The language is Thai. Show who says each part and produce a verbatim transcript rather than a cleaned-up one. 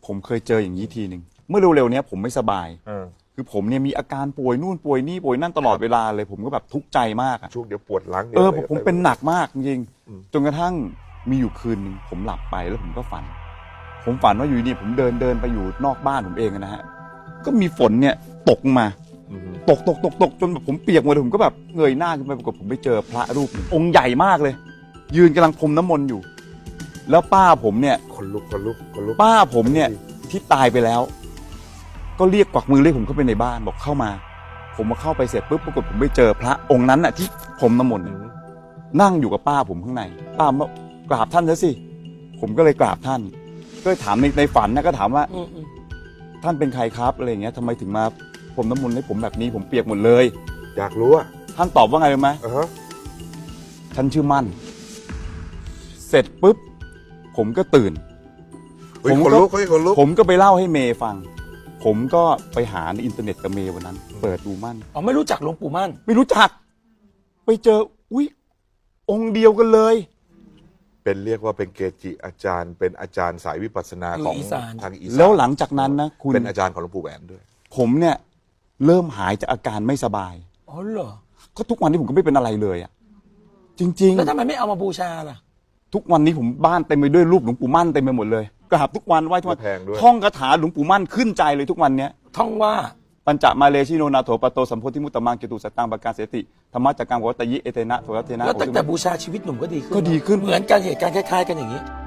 Speaker 1: ผมเคยเจออย่างนี้ทีหนึ่งเมื่อเร็วๆเนี้ยผมไม่สบาย
Speaker 2: เออ
Speaker 1: คือผมเนี่ยมีอาการป่วยนู่นป่วยนี่ป่วยนั่นตลอดเวลาเลย ผมก็แบบทุกข์ใจมากอะ
Speaker 2: ช่วงเดี๋ยวปวดหลัง
Speaker 1: เออ
Speaker 2: ดี๋
Speaker 1: ผ
Speaker 2: ยว
Speaker 1: มผมเป็นหนักมากจริง
Speaker 2: อืม
Speaker 1: ๆจนกระทั่งมีอยู่คืนหนึ่งผมหลับไปแล้วผมก็ฝัน ผมฝันว่าอยู่นี่ผมเดินเดินไปอยู่นอกบ้านผมเองนะฮะก็มีฝนเนี่ยตกมา
Speaker 2: อืม
Speaker 1: ตกตกตกตกจนแบบผมเปียกหมดเลยผมก็แบบเงยหน้าขึ้นไปปรากฏผมไปเจอพระรูปหนึ่งองค์ใหญ่มากเลย ยืนกำลังพรมน้ำมนต์อยู่ แล้วป้าผมเนี่ย
Speaker 2: คนลุกคนลุกคนลุก
Speaker 1: ป้าผมเนี่ยที่ตายไปแล้ว ก็เรียกกวักมือเรียกผมเข้าไปในบ้านบอกเข้ามา ผมมาเข้าไปเสร็จปุ๊บปรากฏผมไปเจอพระองค์นั้นน่ะที่พรมน้ำมนต์
Speaker 2: อื
Speaker 1: เนี่ย
Speaker 2: ม
Speaker 1: นั่งอยู่กับป้าผมข้างในป้าบอกกราบท่านซะสิผมก็เลยกราบท่าน ก็เลยถามในในฝันนะก็ถามว่า
Speaker 3: อืมอืม
Speaker 1: ท่านเป็นใครครับอะไรอย่างเงี้ยทำไมถึงมาพรมน้ำมนต์ให้ผมแบบนี้ผมเปียกหมดเลย
Speaker 2: อยากรู้อ่ะ
Speaker 1: ท่านตอบว่าไงรู้ไหม
Speaker 2: อ่าฮะ
Speaker 1: ท่านชื่อมั่น เสร็จปุ๊บผมก็ตื่น
Speaker 2: เฮ้ย
Speaker 1: ผม
Speaker 2: คน
Speaker 1: ก็
Speaker 2: ลุกเฮ้ยคนลุก
Speaker 1: ผมก็ไปเล่าให้เมย์ฟัง ผมก็ไปหาในอินเทอร์เน็ตกับเมย์วันนั้น เปิดดูมั่น
Speaker 3: อ๋อไม่รู้จักหลวงปู่มั่น
Speaker 1: ไม่รู้จัก ไปเจออุ๊ยองค์เดียวกันเลย
Speaker 2: เป็นเรียกว่าเป็นเกจิอาจารย์ เป็นอาจารย์สายวิปัสสนาของ
Speaker 3: อีสาน
Speaker 2: ทางอีสาน
Speaker 1: แล้วหลังจากนั้นนะคุณ
Speaker 2: เป็นอาจารย์ของหลวงปู่แหวนด้วย
Speaker 1: ผมเนี่ยเริ่มหายจากอาการไม่สบาย
Speaker 3: อ๋อเหรอ
Speaker 1: ก็ทุกวันนี้ผมก็ไม่เป็นอะไรเลยอะจริง
Speaker 3: แล้วทำไมไม่เอามาบูชาล่ะ
Speaker 1: ๆ ทุกวันนี้ผมบ้านเต็มไปด้วยรูปหลวงปู่มั่นเต็มไปหมดเลยกราบทุกวันไหว้ทุกวัน
Speaker 2: แพงด้วย
Speaker 1: ท่องคาถาหลวงปู่มั่นขึ้นใจเลยทุกวันเนี้ย
Speaker 3: ท่องว่า
Speaker 1: ปัญจมาเลชิโนนาโถปโตสัมโพธิมุตตมังเกตุสัตตังปการเสติธรรมะจักกังวัตตยิเอเตนะโทรัตเทนะ
Speaker 3: แล้วตั้งแต่บูชาชีวิตหนุ่มก็ดีขึ้น
Speaker 1: ก็ดีขึ้น
Speaker 3: เหมือนกันเหตุการณ์คล้ายๆกันอย่างนี้